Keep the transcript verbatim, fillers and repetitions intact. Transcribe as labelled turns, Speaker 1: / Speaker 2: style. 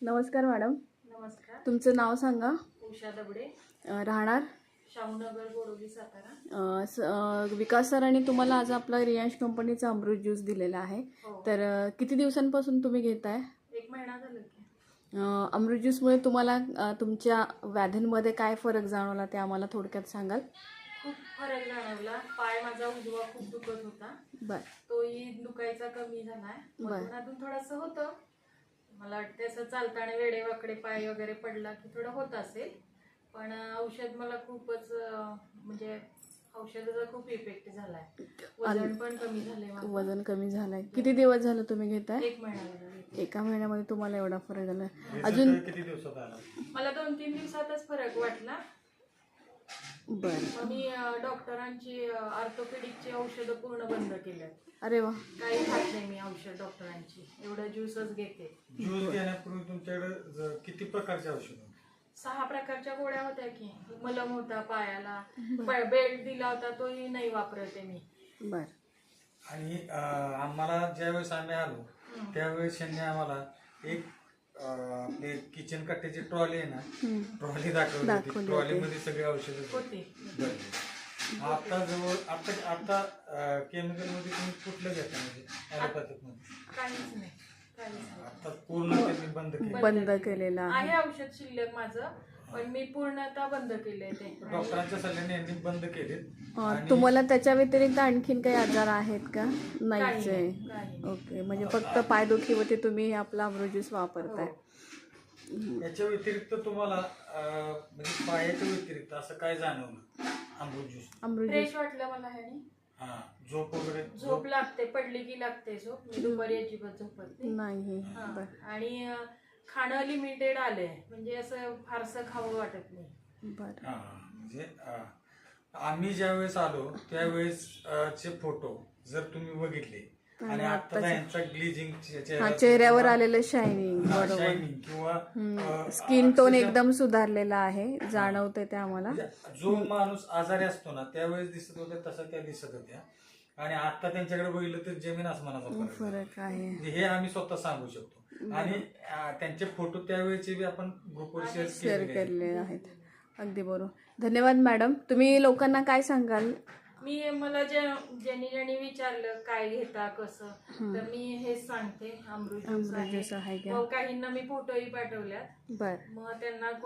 Speaker 1: नमस्कार मॅडम.
Speaker 2: नमस्कार.
Speaker 1: तुमचं नाव सांगा.
Speaker 2: उषा दबडे,
Speaker 1: राहणार
Speaker 2: शाहूनगर, बोडोली, सातारा.
Speaker 1: अ, स- अ, विकास सरांनी तुम्हाला आज आपला रियांश कंपनीचा अमृत ज्यूस दिलेला आहे.
Speaker 2: हो.
Speaker 1: तर अ, किती दिवसांपासून तुम्ही घेताय?
Speaker 2: एक महिना झाला की.
Speaker 1: अ, अमृत ज्यूसमुळे तुम्हाला अ, तुमच्या व्याधींमध्ये काय फरक जाणवला ते आम्हाला थोडक्यात सांगाल?
Speaker 2: खूप फरक जाणवला. पाय माझा उजवा खूप दुखत होता,
Speaker 1: बर
Speaker 2: तोही दुखायचा कमी झालाय.
Speaker 1: बर.
Speaker 2: मधून अधून थोडंसं होतं. मला वाटतं असं चालताना वेडेवाकडे पाय वगैरे पडला की थोडं होत असेल, पण औषध मला खूपच अं, म्हणजे औषधाचा खूप इफेक्ट झालाय. वजन पण कमी झालंय माझं.
Speaker 1: वजन कमी झालंय. किती दिवस झालं तुम्ही घेताय?
Speaker 2: एक महिना झाला.
Speaker 1: एका महिन्यामध्ये तुम्हाला एवढा फरक झाला? अजून
Speaker 3: किती दिवसात आला?
Speaker 2: मला दोन तीन दिवसातच फरक वाटला.
Speaker 1: बर.
Speaker 2: मग मी अं, डॉक्टरांची ऑर्थोपेडिकची औषधं पूर्ण बंद केल्यात.
Speaker 1: अरे वा.
Speaker 2: काही खात नाही मी औषध डॉक्टरांची, एवढं ज्यूसच घेते.
Speaker 3: ज्यूस घेण्यापूर्वी तुमच्याकडे ज- किती प्रकारचे औषध होते?
Speaker 2: सहा प्रकारच्या गोळ्या होत्या की. मलम होता पायाला, बेल्ट दिला होता तोही नाही वापरते मी.
Speaker 1: बर.
Speaker 3: आणि अं, आम्हाला ज्यावेळेस आम्ही आलो त्यावेळेस त्यांनी आम्हाला एक अं, आपले किचन कट्ट्याची ट्रॉली आहे ना, ट्रॉली दाखवली होती.
Speaker 1: दाखवली
Speaker 3: ट्रॉलीमध्ये सगळे औषध
Speaker 2: होती.
Speaker 3: आता जवळ आता आता केमिकल मध्ये तुम्ही कुठलं घेता म्हणजे ॲलोपॅथिक मध्ये?
Speaker 2: काहीच नाही, काहीच नाही.
Speaker 3: आता पूर्ण त्यांनी बंद केलं.
Speaker 1: बंद केलेला आहे.
Speaker 2: आहे औषध शिल्लक माझं, पण मी पूर्णतः बंद केलंय ते.
Speaker 3: डॉक्टरांच्या सल्ल्याने यांनी बंद केले.
Speaker 1: अ, तुम्हाला त्याच्या व्यतिरिक्त आणखीन काही आजार आहेत का? नाहीच आहे.
Speaker 2: काही नाही.
Speaker 1: ओके, म्हणजे फक्त पायदुखीवरती तुम्ही आपला अमृत ज्यूस वापरताय.
Speaker 3: याच्या व्यतिरिक्त तुम्हाला अं, म्हणजे पायाच्या व्यतिरिक्त असं काय जाणवलं Amrit juice?
Speaker 1: Amrit juice
Speaker 2: fresh वाटलं मला ह्यानी.
Speaker 3: हा, झोप वगैरे?
Speaker 2: झोप लागते, पडली की लागते झोप. मी दुपारी अजिबात झोपत नाही.
Speaker 1: नाही.
Speaker 2: हा.
Speaker 1: बर.
Speaker 2: आणि अं, खाणं लिमिटेड आलंय, म्हणजे असं फारसं खावं वाटत नाही.
Speaker 1: बर.
Speaker 3: हा, म्हणजे अं, आम्ही ज्यावेळेस आलो त्यावेळेस अं, चे फोटो जर तुम्ही बघितले आणि आता यांचा ग्लिजिंग
Speaker 1: हा, चेहऱ्यावर आलेलं शायनिंग. बरोबर.
Speaker 3: शायनिंग किंवा अं,
Speaker 1: स्किन टोन
Speaker 3: अक्षरशः
Speaker 1: एकदम सुधारलेला आहे, जाणवते ते आम्हाला.
Speaker 3: म्हणजे जो माणूस आजारी असतो ना त्यावेळेस दिसत होत्या तसा त्या दिसत होत्या, आणि आता त्यांच्याकडे बघितलं तर जमीन आसमानाचा फरक आहे.
Speaker 1: फरक आहे.
Speaker 3: म्हणजे हे आम्ही स्वतः सांगू शकतो. आणि अं, त्यांचे फोटो त्यावेळेचे बी आपण ग्रुपवर शेअर
Speaker 1: शेअर
Speaker 3: केलेले आहेत.
Speaker 1: केलेले आहेत. अगदी बरोबर. धन्यवाद मॅडम. तुम्ही लोकांना काय सांगाल?
Speaker 2: मी मला जे ज्यांनी ज्यांनी विचारलं काय घेता कसं, तर मी हेच सांगते, अमृत ज्यूस
Speaker 1: अमृत ज्यूस आहे
Speaker 2: आहे.
Speaker 1: का?
Speaker 2: मग काहींना मी फोटोही पाठवल्यात.
Speaker 1: बर.
Speaker 2: मग त्यांना